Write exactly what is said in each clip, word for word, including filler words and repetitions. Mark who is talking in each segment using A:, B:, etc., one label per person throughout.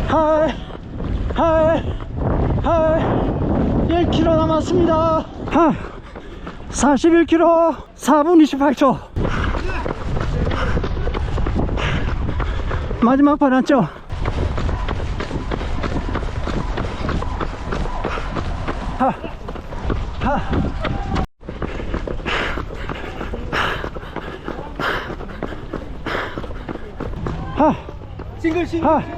A: 하이 하이 하이 일 킬로미터 남았습니다. 하이 사십일 킬로미터 사 분 이십팔 초. 마지막 판 왔죠? 하, 하. 하.
B: 싱글 싱글.
A: 하. 하.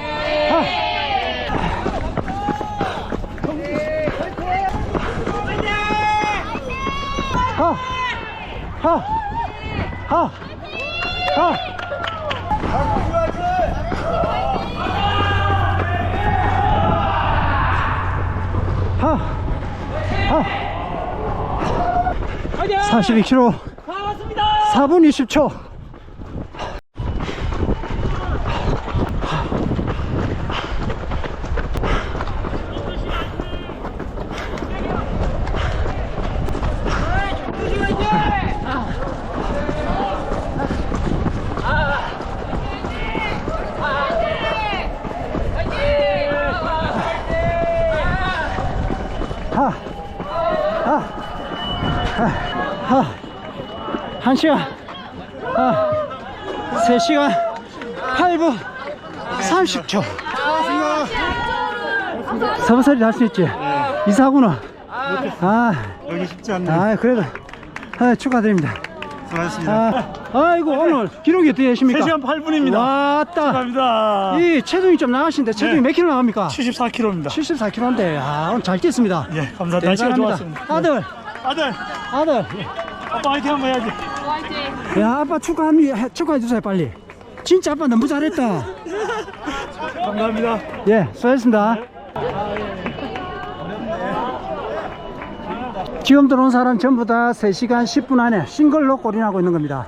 A: 하. 하. 하. 하. 하. 하. 사십이 킬로미터 사 분 이십 초. 하, 하, 하, 하, 한 시간, 하, 세 시간 팔 분 삼십 초. 서브서리 할 수 있지? 이사구나. 아,
B: 여기 쉽지 않네.
A: 아, 그래도 아, 축하드립니다.
B: 수고하셨습니다.
A: 아, 아이고 오늘 기록이 어떻게 되십니까?
B: 세 시간 팔 분입니다.
A: 왔다.
B: 축하합니다.
A: 이 체중이 좀 나가신데 체중이
B: 네.
A: 몇 킬로 나갑니까?
B: 칠십사 킬로미터입니다.
A: 칠십사 킬로인데 아, 오늘 잘 뛰었습니다.
B: 예, 감사합니다. 날씨가
A: 대단합니다.
B: 좋았습니다.
A: 아들,
B: 아들,
A: 아들.
B: 아빠 화이팅 한번 해야지.
A: 야, 아빠 축하합니다. 축하해 주세요, 빨리. 진짜 아빠 너무 잘했다.
B: 감사합니다.
A: 예, 수고하셨습니다. 지금 들어온 사람 전부 다 세 시간 십 분 안에 싱글로 골인하고 있는 겁니다.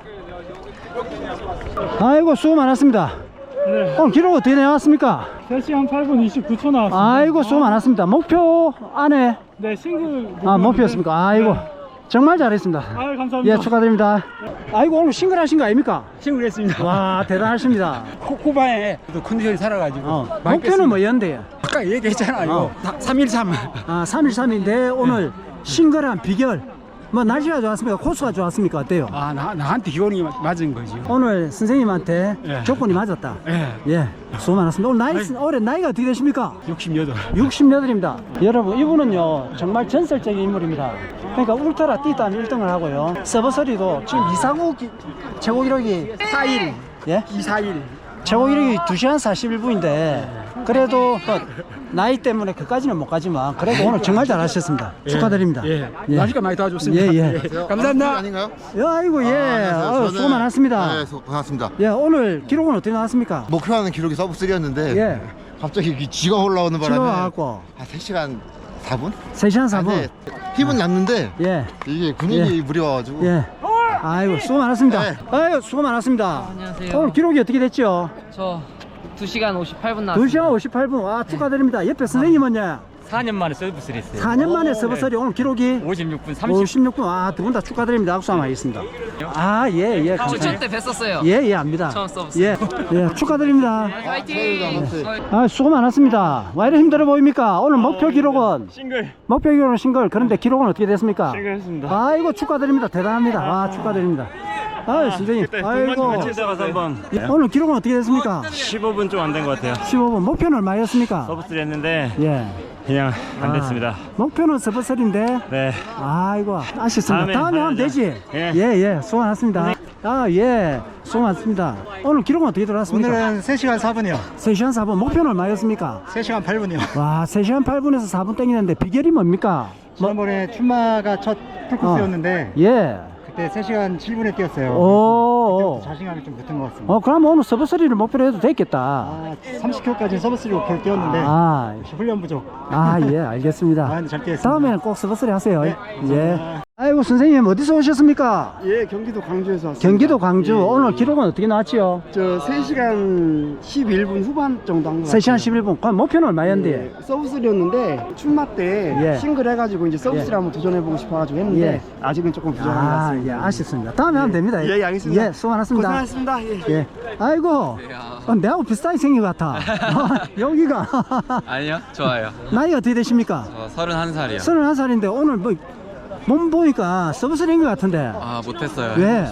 A: 아이고, 수고 많았습니다.
B: 네.
A: 오늘 기록 어떻게 나왔습니까?
B: 세 시간 팔 분 이십구 초 나왔습니다.
A: 아이고, 수고 많았습니다. 목표 안에
B: 네, 싱글.
A: 아, 목표였습니까? 아이고,
B: 네.
A: 정말 잘했습니다.
B: 아유, 감사합니다.
A: 예, 축하드립니다. 아이고, 오늘 싱글 하신 거 아닙니까?
C: 친구했습니다.
A: 와, 대단하십니다.
C: 후반에 컨디션이 살아가지고
A: 어,
C: 많이
A: 목표는
C: 뺐습니다.
A: 뭐였는데요?
C: 아까 얘기했잖아요.
A: 어.
C: 삼일삼.
A: 아, 삼일삼인데 오늘 싱글한 비결, 뭐 날씨가 좋았습니까? 코스가 좋았습니까? 어때요?
C: 아, 나, 나한테 기온이 맞은 거지.
A: 오늘 선생님한테
C: 예.
A: 조건이 맞았다.
C: 예.
A: 예, 수고 많았습니다. 오늘 나이,
C: 아이.
A: 올해 나이가 어떻게 되십니까?
C: 육십여덟.
A: 육십팔입니다. 여러분, 이분은요 정말 전설적인 인물입니다. 그러니까 울트라 뛰단 일 등을 하고요, 서버서리도 지금 이사구 기, 최고 기록이
C: 사일.
A: 예?
C: 이사일.
A: 최고 기록이 두 시간 사십일 분인데 그래도 뭐 나이 때문에 그까지는 못 가지만 그래도 오늘 정말 잘하셨습니다. 축하드립니다.
C: 예.
A: 예.
C: 날씨가 많이 도와줬습니다.
A: 예, 예.
C: 감사합니다.
D: 아닌가요?
A: 야, 아이고, 예.
D: 안녕하세요.
A: 어,
D: 저는-
A: 수고 많았습니다.
D: 네, 수- 고맙습니다.
A: 예, 오늘 기록은 어떻게 나왔습니까?
D: 목표하는 기록이 서브 삼이었는데
A: 예.
D: 갑자기 이 쥐가 올라오는 바람에
A: 지금 와갖고
D: 한 세 시간 사 분?
A: 세 시간 사 분.
D: 힘은 났는데
A: 예,
D: 이게 근육이
A: 예.
D: 무려가지고
A: 예. 아이고, 수고 많았습니다.
D: 네.
A: 아이고, 수고 많았습니다.
E: 안녕하세요.
A: 오늘 기록이 어떻게 됐죠?
E: 저 두 시간 오십팔 분
A: 두
E: 나왔습니다.
A: 시간 오십팔 분. 와, 축하드립니다. 옆에 선생님은요?
F: 사 년 만에 서비스를 했어요.
A: 사 년 만에 서버서리 오늘 기록이
F: 오십육 분 삼십.
A: 오십육 분. 아, 두 분 다 축하드립니다. 악수 한번 하겠습니다. 아, 예, 예.
E: 추천 때 뵀었어요.
A: 예, 예, 압니다.
E: 처음 서비스.
A: 예, 예, 축하드립니다.
E: 화이팅!
A: 아, 수고 많았습니다. 왜 이렇게 힘들어 보입니까? 오늘 목표 기록은
B: 싱글.
A: 목표 기록은 싱글. 그런데 기록은 어떻게 됐습니까?
B: 싱글 했습니다.
A: 아이고, 축하드립니다. 대단합니다. 아, 축하드립니다. 아유, 선생님. 아이고.
F: 가서 한번
A: 예, 오늘 기록은 어떻게 됐습니까?
F: 십오 분 좀 안 된 것 같아요.
A: 십오 분. 목표는 얼마였습니까?
F: 서비스를 했는데
A: 예.
F: 그냥 안
A: 아,
F: 됐습니다.
A: 목표는 서버설인데.
F: 네.
A: 아이고, 아쉽습니다.
F: 다음에
A: 다음에 하면
F: 하자.
A: 되지.
F: 예.
A: 예, 예. 수고 많았습니다. 아, 예. 수고 많습니다. 오늘 기록은 어떻게 들어왔습니까?
B: 오늘은 세 시간 사 분이요.
A: 세 시간 사 분. 목표는 얼마였습니까?
B: 세 시간 팔 분이요.
A: 와, 세 시간 팔 분에서 사 분 땡기는데 비결이 뭡니까? 뭐,
B: 지난번에 춘마가 첫 풀코스였는데
A: 예.
B: 그때 세 시간 칠 분에 뛰었어요.
A: 오.
B: 그때부터 자신감이 좀 붙은 것 같습니다.
A: 어, 그럼 오늘 서브서리를 목표로 해도 됐겠다.
B: 아, 삼십 킬로미터까지 서비스 목표를 뛰었는데
A: 아,
B: 역시 훈련 부족.
A: 아, 예, 알겠습니다.
B: 아, 근데 잘 뛰었습니다.
A: 다음에는 꼭 서브서리 하세요.
B: 네,
A: 예.
B: 감사합니다.
A: 아이고 선생님 어디서 오셨습니까?
G: 예, 경기도 광주에서 왔습니다.
A: 경기도 광주.
G: 예,
A: 오늘
G: 예.
A: 기록은 어떻게 나왔지요?
G: 저 세 시간 십일 분 후반 정도 한 것 같아요.
A: 세 시간 십일 분. 그럼 목표는 얼마였는데?
G: 예, 서브쓰리였는데 춘마 때
A: 예.
G: 싱글 해가지고 이제 서브쓰리
A: 예.
G: 한번 도전해보고 싶어가지고 했는데
A: 예.
G: 아직은 조금 부족한 것
A: 아,
G: 같습니다.
A: 예, 아쉽습니다. 다음에 하면 됩니다.
G: 예, 예, 알겠습니다.
A: 예, 수고 많았습니다.
G: 고생하셨습니다. 예.
A: 예. 아이고, 어, 내하고 비슷하게 생긴 것 같아. 여기가.
H: 아니요, 좋아요.
A: 나이가 어떻게 되십니까?
H: 저 서른한 살이요.
A: 서른한 살인데 오늘 뭐, 몸 보니까 서브스리인 것 같은데.
H: 아, 못했어요.
A: 왜?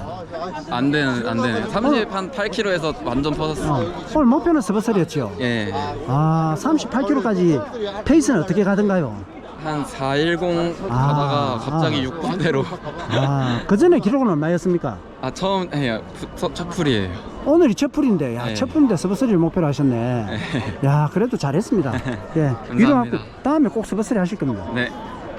H: 안 되는, 안 되네. 삼십팔 킬로그램에서 완전 퍼졌어.
A: 어, 오늘 목표는 서브스리였죠?
H: 예.
A: 아, 삼십팔 킬로그램까지 페이스는 어떻게 가던가요?
H: 한 사백십
A: 아,
H: 가다가 갑자기
A: 아.
H: 육 분대로.
A: 아, 그 전에 기록은 얼마였습니까?
H: 아, 처음 해요. 푸- 첫, 첫 풀이에요.
A: 오늘이 첫 풀인데, 야,
H: 네.
A: 첫 풀인데 서브스리를 목표로 하셨네. 야, 그래도 잘했습니다. 예. 위로하고 다음에 꼭 서브스리 하실 겁니다.
H: 네.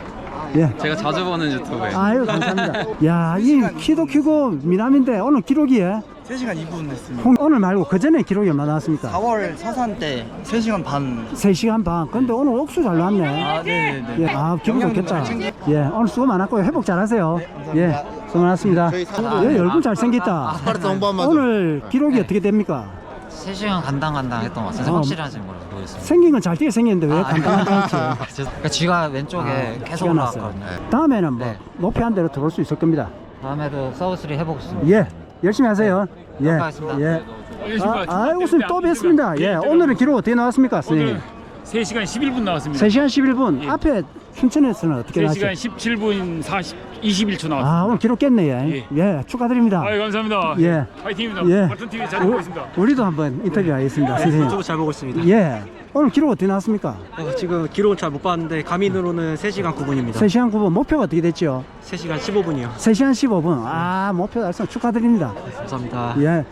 A: 예.
H: 제가 자주 보는 유튜브예요.
A: 아유, 감사합니다. 야, 이 키도 키고 미남인데 오늘 기록이에
B: 세 시간 이 분 했습니다.
A: 홍- 오늘 말고 그 전에 기록이 얼마 나왔습니까?
B: 사월 서산 때 세 시간 반.
A: 세 시간 반. 근데 오늘 옥수 잘 나왔네.
B: 아, 네네네.
A: 예, 아, 기분 좋겠다. 예, 오늘 수고 많았고요. 회복 잘하세요. 예, 수고 많았습니다. 예, 얼굴 잘생겼다.
D: 스파르타 홍보 한번
A: 오늘 기록이 어떻게 됩니까?
I: 세 시간 간당간당 했던 것 같아요.
A: 어.
I: 확실하진 모르- 모르겠습니다.
A: 생긴 건 잘 뛰게 생겼는데 왜 간단하지?
I: 그러니까 쥐가 왼쪽에 계속
A: 기가 났어요.
I: 올라왔거든요.
A: 다음에는 뭐
I: 네.
A: 목표한 대로 들어올 수 있을 겁니다.
I: 다음에도 서브스리 해보겠습니다.
A: 예, 열심히 하세요. 예,
I: 감사하겠습니다.
A: 예. 아, 아이고, 선생님 또 뵙습니다. 예, 오늘은 기록 어떻게 나왔습니까, 선생님?
C: 세 시간 십일 분 나왔습니다.
A: 세 시간 십일 분. 앞에 춘천에서는 어떻게
C: 세
A: 나왔죠?
C: 시간 십칠 분 사십, 이십일 초 나왔습니다.
A: 아, 오늘 기록 깼네요. 예,
C: 예.
A: 축하드립니다.
C: 아유, 감사합니다.
A: 예.
C: 파이팅입니다.
A: 예.
C: 버튼 티비 잘 보고 있습니다.
A: 우리도 한번 인터뷰하겠습니다, 선생님.
B: 유튜브 잘 보고 있습니다.
A: 예. 오늘 기록 어떻게 나왔습니까?
B: 어, 지금 기록은 잘 못 봤는데 가민으로는 세 시간 구 분입니다.
A: 세 시간 구 분. 목표가 어떻게 됐죠?
B: 세 시간 십오 분이요.
A: 세 시간 십오 분. 아, 목표 달성 축하드립니다.
B: 감사합니다.
A: 예.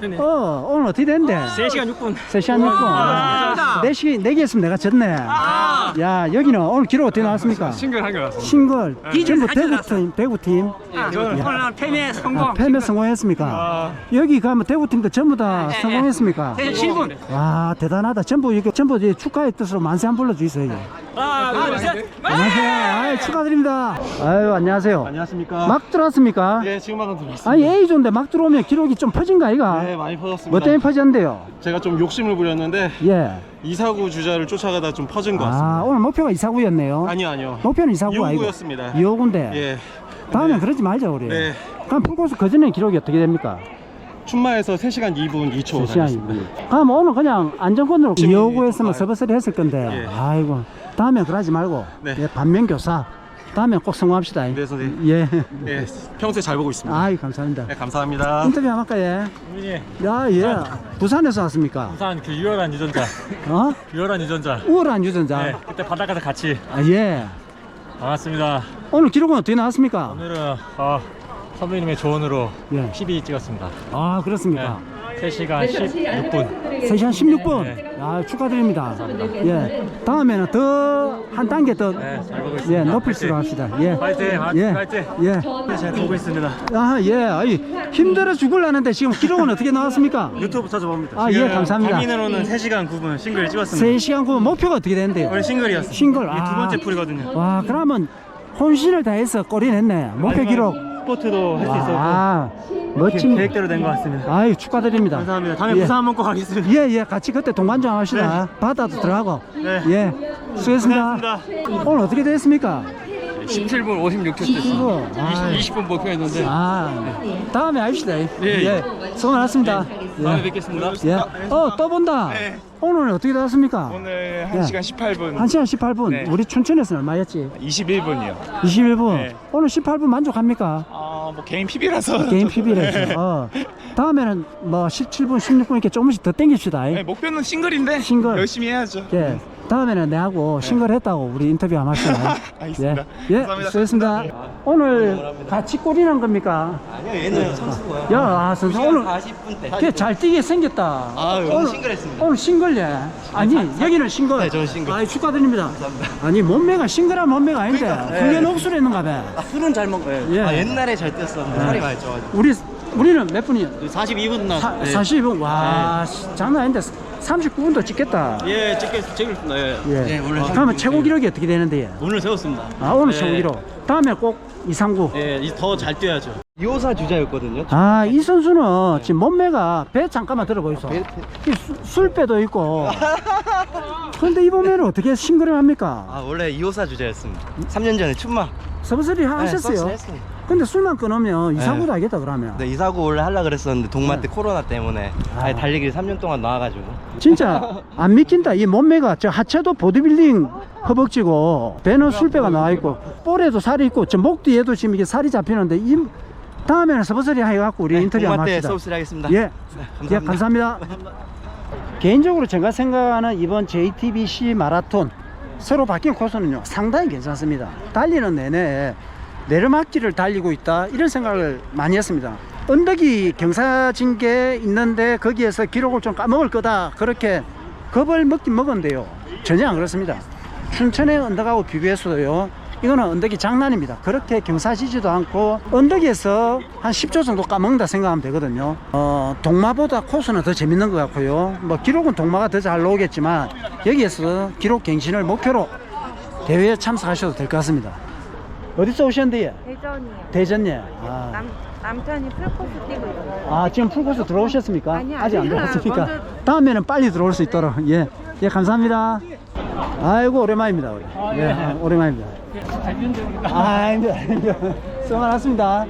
A: 어, 오늘 어떻게 됐는데?
B: 세 시간 육 분.
A: 세 시간 육 분. 아, 네 시, 네 개 했으면 내가 졌네. 야, 여기는 오늘 기록 어떻게 나왔습니까?
C: 싱글 한개 나왔습니다.
A: 싱글. 전부 대구팀, 대구팀.
C: 저는 오늘 패배 성공.
A: 아, 패배 성공했습니까? 여기 가면 대구팀도 전부 다 성공했습니까?
C: 칠 분.
A: 와, 대단하다. 전부 이게 전부 이제 축하의 뜻으로 만세 한 불러주세요. 이게.
C: 하나, 둘, 셋.
A: 안녕하세요. 아유, 축하드립니다. 아유, 안녕하세요.
G: 안녕하십니까?
A: 막 들어왔습니까?
G: 예, 지금 방금 들어왔습니다.
A: 아니, A조인데 막 들어오면 기록이 좀 퍼진가, 이가?
G: 네, 많이 퍼졌습니다.
A: 뭐 때문에 퍼졌는데요?
G: 제가 좀 욕심을 부렸는데
A: 예.
G: 이사구 주자를 쫓아가다 좀 퍼진 것 같습니다.
A: 아, 오늘 목표가 이사구였네요.
G: 아니요, 아니요.
A: 목표는 이사구가 아니고.
G: 이호구였습니다.
A: 이호구인데.
G: 예.
A: 다음엔
G: 네.
A: 그러지 말자, 우리.
G: 네.
A: 그럼 풀코스 그 전에 기록이 어떻게 됩니까?
G: 춘마에서 세 시간 이 분 이 초
A: 세 시간
G: 달렸습니다.
A: 그럼 오늘 그냥 안전권으로
G: 열심히
A: 이호구 했으면
G: 좀
A: 서버서리 했을 건데.
G: 예.
A: 아이고. 다음엔 그러지 말고.
G: 네.
A: 예, 반면교사. 다음엔 꼭 성공합시다.
G: 네, 선생님.
A: 예.
G: 예, 평소에 잘 보고 있습니다.
A: 아이, 감사합니다.
G: 네, 감사합니다.
A: 인터뷰 한번 할까요? 야, 예. 부산에서 왔습니까?
B: 부산 그 유열한 유전자.
A: 어?
B: 유열한 유전자.
A: 우월한 유전자.
B: 네, 그때 바닷가에서 같이
A: 아, 예.
B: 반갑습니다.
A: 오늘 기록은 어떻게 나왔습니까?
B: 오늘은 어, 선배님의 조언으로
A: 예.
B: 피비 찍었습니다.
A: 아, 그렇습니까?
B: 세 시간 십육 분.
A: 세 시간 십육 분.
B: 네.
A: 아, 축하드립니다. 예. 다음에는 더 한 단계 더
B: 네, 잘 보고 있습니다.
A: 예, 높일수록 합시다. 예.
B: 파이팅,
A: 예.
B: 파이팅.
A: 예.
B: 잘 보고 있습니다.
A: 아, 예. 아이, 힘들어 죽을라는데 지금 기록은 어떻게 나왔습니까?
B: 유튜브 찾아봅니다.
A: 아, 예, 감사합니다.
B: 가민으로는 세 시간 구 분 싱글 찍었습니다.
A: 세 시간 구 분 목표가 어떻게 되는데요?
B: 원래 싱글이었어요.
A: 싱글.
B: 이게 두 번째 풀이거든요.
A: 와, 그러면 혼신을 다해서 꼬리 냈네. 목표 기록.
B: 스포트도 할 수 있었고
A: 아, 멋진.
B: 계획대로 된 것 같습니다.
A: 아유, 축하드립니다.
B: 감사합니다. 다음에
A: 예.
B: 부산 한번 꼭 가겠습니다.
A: 예, 예, 같이 그때 동반장 합시다. 바다도 들어가고.
B: 네.
A: 예, 수고했습니다. 오늘 어떻게 됐습니까?
E: 십칠 분 오십육 초
A: 이거, 아,
E: 이십 분 목표였는데.
A: 아, 다음에 합시다. 예,
E: 예.
A: 수고 많았습니다.
E: 다음에
A: 예.
E: 뵙겠습니다.
A: 예. 어, 또 본다. 오늘 어떻게 됐습니까?
J: 오늘
A: 예.
J: 한 시간 십팔 분,
A: 한 시간 십팔 분.
J: 네.
A: 우리 춘천에서는 얼마였지?
J: 이십일 분이요.
A: 이십일 분.
J: 네.
A: 오늘 십팔 분 만족합니까?
J: 아, 뭐 개인 피비라서
A: 게임 피비래서. 어. 다음에는 뭐 십칠 분, 십육 분 이렇게 조금씩 더 땡깁시다.
J: 네, 목표는 싱글인데
A: 싱글.
J: 열심히 해야죠.
A: 예. 다음에는 내하고 싱글 했다고 우리 인터뷰 한번 합시다.
J: 알겠습니다.
A: 예, 예,
J: 감사합니다.
A: 수고했습니다. 오늘 같이 골이 난 겁니까?
B: 아니요, 얘는 선수고요.
A: 야, 아, 선수 오늘
B: 사십 분 때.
A: 걔잘 뛰게 생겼다.
B: 아,
A: 오늘
B: 오늘 싱글했습니다.
A: 오늘 싱글 예. 아니, 여기는 싱글.
B: 네, 저는 싱글.
A: 아, 축하드립니다. 아니, 몸매가 싱글한 몸매가 아닌데 훈련 옥수로 했는가 봐.
B: 술은 잘 먹어요.
A: 예.
B: 아, 옛날에 잘 뛰었었는데
A: 네.
B: 살이 많이 쪄가지고.
A: 우리 우리는 몇 분이요?
B: 사십이 분 나.
A: 사,
B: 네.
A: 사십이 분. 와, 씨, 장난 아닌데 삼십구 분도 찍겠다.
B: 예, 찍겠, 찍겠습니다. 예.
A: 예. 그러면 최고 기록이 어떻게 되는데?
B: 오늘 세웠습니다.
A: 아, 오늘
B: 예.
A: 최고 기록. 다음에 꼭 이상구.
B: 예, 더 잘 뛰어야죠.
C: 이호사 주자였거든요.
A: 아, 이 선수는 지금 몸매가 배 잠깐만 들어보이소. 이 수- 술배도 있고. 그런데 이 몸매를 어떻게 싱그러합니까?
C: 아 원래 이호사 주자였습니다. 삼 년 전에 춘마.
A: 서브서리 하셨어요.
C: 서브서리 했습니다.
A: 근데 술만 끊으면 이상구도 하겠다 그러면.
C: 네, 이사고 원래 하려 그랬었는데 동마 때
A: 네.
C: 코로나 때문에
A: 아.
C: 아예 달리기를 삼 년 동안 나와가지고.
A: 진짜 안 믿긴다. 이 몸매가 저 하체도 보디빌딩 허벅지고 배는 술배가 나와 있고 볼에도 살이 있고 저 목 뒤에도 지금 이게 살이 잡히는데 이 다음에는 서브서리 해갖고 우리 인터뷰 한번
C: 동마 때
A: 합시다.
C: 서브스리 하겠습니다.
A: 예,
C: 네, 감사합니다.
A: 예, 감사합니다. 개인적으로 제가 생각하는 이번 제이티비씨 마라톤 서로 바뀐 코스는요 상당히 괜찮습니다. 달리는 내내 내리막길을 달리고 있다 이런 생각을 많이 했습니다. 언덕이 경사진게 있는데 거기에서 기록을 좀 까먹을 거다 그렇게 겁을 먹긴 먹었는데요 전혀 안 그렇습니다. 춘천의 언덕하고 비교해서도요 이거는 언덕이 장난입니다. 그렇게 경사지지도 않고 언덕에서 한 십 초 정도 까먹는다 생각하면 되거든요. 어, 동마보다 코스는 더 재밌는 것 같고요. 뭐 기록은 동마가 더 잘 나오겠지만 여기에서 기록 갱신을 목표로 대회에 참석하셔도 될 것 같습니다. 어디서 오셨는데요?
K: 대전이요.
A: 대전이요. 아,
K: 남, 남편이 풀코스 뛰고 있어요.
A: 아 지금 풀코스 들어오셨습니까?
K: 아니요,
A: 아직 안
K: 아니요.
A: 들어왔습니까?
K: 먼저-
A: 다음에는 빨리 들어올 수 있도록 예, 예 감사합니다. 아이고 오랜만입니다. 우리. 예, 오랜만입니다. 아닙니다. 수고 많았습니다.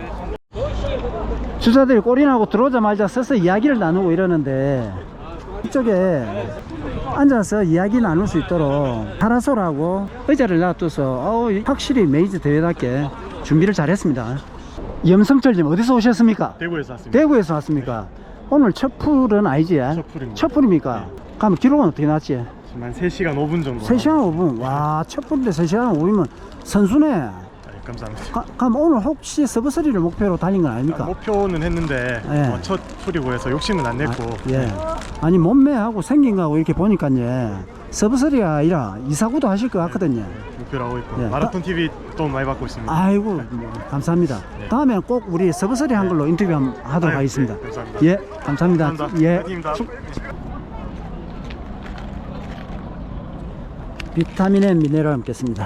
A: 주자들이 골인하고 들어오자마자 서서 이야기를 나누고 이러는데 이쪽에 앉아서 이야기 나눌 수 있도록 파라솔하고 의자를 놔둬서 어우, 확실히 메이저 대회답게 준비를 잘했습니다. 염성철님 어디서 오셨습니까?
J: 대구에서 왔습니다.
A: 대구에서 왔습니까? 오늘 첫 풀은 아니지?
J: 첫 풀입니다.
A: 첫 풀입니까? 그럼 기록은 어떻게 났지?
J: 지금 한 세 시간 오 분 정도.
A: 세 시간 오 분. 와, 첫 풀인데 세 시간 오 분이면 선수네.
J: 네, 감사합니다.
A: 가, 그럼 오늘 혹시 서브서리를 목표로 달린 건 아닙니까?
J: 목표는 했는데
A: 예.
J: 어, 첫 풀이고 해서 욕심은 안 냈고.
A: 아, 예. 아니 몸매하고 생긴 거하고 이렇게 보니까 예. 서브서리가 아니라 이사구도 하실 것 같거든요.
J: 목표로 하고 있고
A: 예.
J: 마라톤 티비 또 많이 받고 있습니다.
A: 아이고 뭐, 감사합니다.
J: 네.
A: 다음에 꼭 우리 서브서리 한 걸로 인터뷰 한번 하도록
J: 아유,
A: 하겠습니다.
J: 네, 감사합니다.
A: 예, 감사합니다.
J: 감사합니다.
A: 예.
J: 파이팅입니다.
A: 비타민 앤 미네랄 먹겠습니다.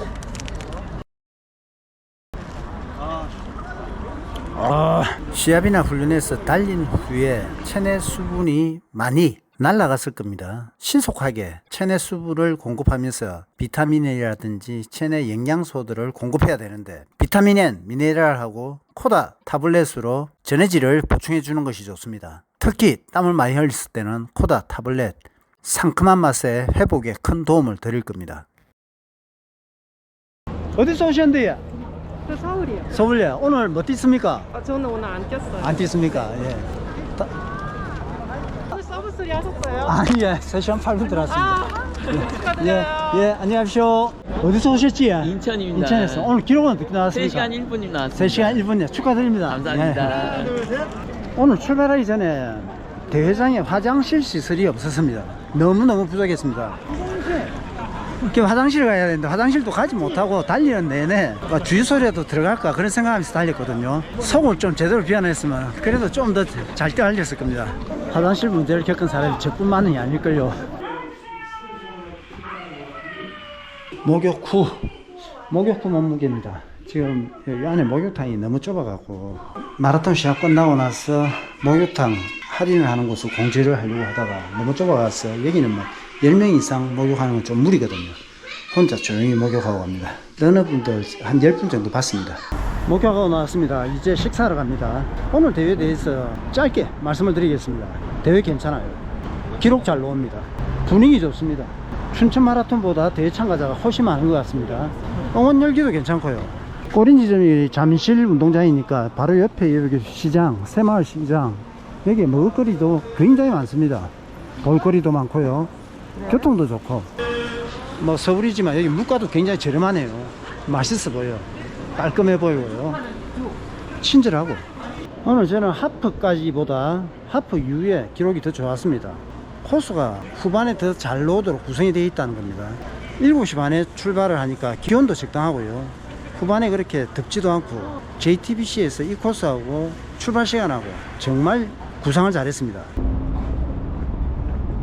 A: 아, 시합이나 훈련에서 달린 후에 체내 수분이 많이 날아갔을 겁니다. 신속하게 체내 수분을 공급하면서 비타민이라든지 체내 영양소들을 공급해야 되는데 비타민 N, 미네랄하고 코다 타블렛으로 전해질을 보충해 주는 것이 좋습니다. 특히 땀을 많이 흘렸을 때는 코다 타블렛 상큼한 맛의 회복에 큰 도움을 드릴 겁니다. 어디서 오셨는데요?
K: 저 서울이요.
A: 서울이요. 오늘 뭐 뛰습니까?
K: 아, 저는 오늘 안 뛰었어요.
A: 안 뛰습니까? 예.
K: 오늘 서브스리 하셨어요?
A: 아니, 예. 세 시간 팔 분 들어왔습니다.
K: 아, 축하드려요.
A: 예, 예, 안녕하십시오. 어디서 오셨지?
H: 인천입니다.
A: 인천에서. 오늘 기록은 어떻게 나왔습니까?
H: 세 시간 일 분이 나왔습니다.
A: 세 시간 일 분이요. 축하드립니다.
H: 감사합니다.
A: 예. 오늘 출발하기 전에 대회장에 화장실 시설이 없었습니다. 너무너무 부족했습니다. 이렇게 화장실 가야 되는데 화장실도 가지 못하고 달리는 내내 주유소라도 들어갈까 그런 생각하면서 달렸거든요. 속을 좀 제대로 비워냈으면 그래도 좀 더 잘 달렸을 겁니다. 화장실 문제를 겪은 사람이 저뿐만이 아닐걸요. 목욕 후 목욕 후 몸무게입니다. 지금 여기 안에 목욕탕이 너무 좁아갖고 마라톤 시합 끝나고 나서 목욕탕 할인을 하는 곳을 공지를 하려고 하다가 너무 좁아가서 여기는 뭐 열 명 이상 목욕하는 건 좀 무리거든요. 혼자 조용히 목욕하고 갑니다. 러너분들 한 열 분 정도 봤습니다. 목욕하고 나왔습니다. 이제 식사하러 갑니다. 오늘 대회에 대해서 짧게 말씀을 드리겠습니다. 대회 괜찮아요. 기록 잘 나옵니다. 분위기 좋습니다. 춘천 마라톤보다 대회 참가자가 훨씬 많은 것 같습니다. 응원 열기도 괜찮고요. 꼬린 지점이 잠실 운동장이니까 바로 옆에 여기 시장, 새마을 시장, 여기 먹을거리도 굉장히 많습니다. 볼거리도 많고요. 교통도 좋고, 뭐 서울이지만 여기 물가도 굉장히 저렴하네요. 맛있어 보여. 깔끔해 보이고요. 친절하고. 오늘 저는 하프까지보다 하프 이후에 기록이 더 좋았습니다. 코스가 후반에 더 잘 나오도록 구성이 되어 있다는 겁니다. 일곱 시 반에 출발을 하니까 기온도 적당하고요. 후반에 그렇게 덥지도 않고 제이티비씨에서 이 코스하고 출발 시간하고 정말 구상을 잘했습니다.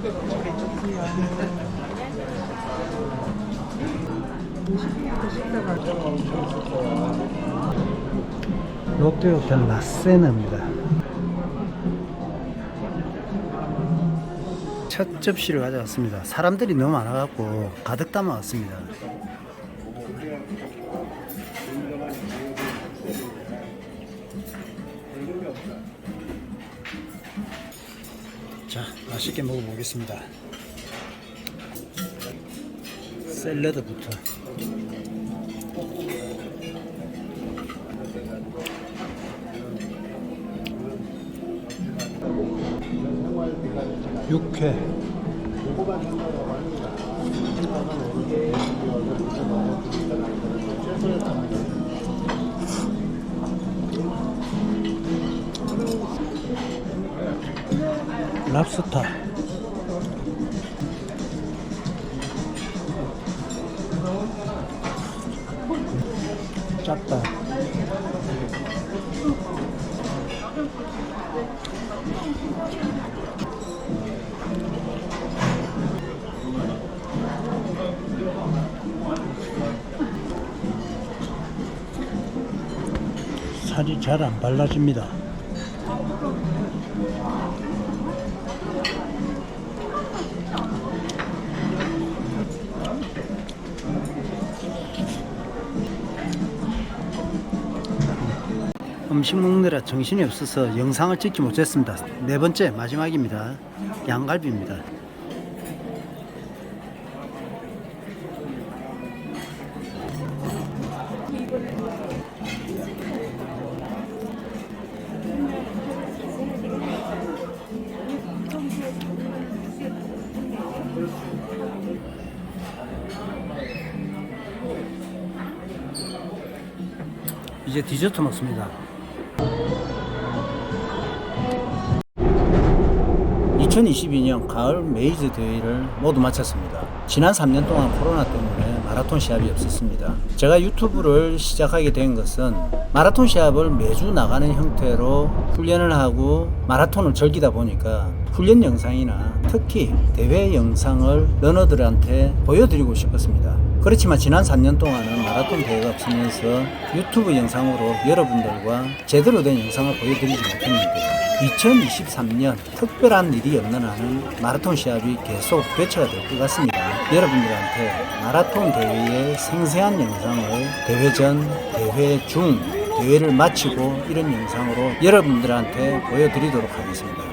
A: 롯데호텔 라세나입니다. 첫 접시를 가져왔습니다. 사람들이 너무 많아갖고 가득 담아왔습니다. 자, 맛있게 먹어보겠습니다. 샐러드부터. 육회. 랍스터. 짭다. 살이 잘 안 발라집니다. 음식 먹느라 정신이 없어서 영상을 찍지 못했습니다. 네 번째 마지막입니다. 양갈비입니다. 이제 디저트 먹습니다. 이천이십이 년 가을 메이즈 대회를 모두 마쳤습니다. 지난 삼 년 동안 코로나 때문에 마라톤 시합이 없었습니다. 제가 유튜브를 시작하게 된 것은 마라톤 시합을 매주 나가는 형태로 훈련을 하고 마라톤을 즐기다 보니까 훈련 영상이나 특히 대회 영상을 러너들한테 보여드리고 싶었습니다. 그렇지만 지난 삼 년 동안은 마라톤 대회가 없으면서 유튜브 영상으로 여러분들과 제대로 된 영상을 보여드리지 못했는데 이천이십삼 년 특별한 일이 없는 한은 마라톤 시합이 계속 개최가 될 것 같습니다. 여러분들한테 마라톤 대회의 생생한 영상을 대회 전, 대회 중, 대회를 마치고 이런 영상으로 여러분들한테 보여드리도록 하겠습니다.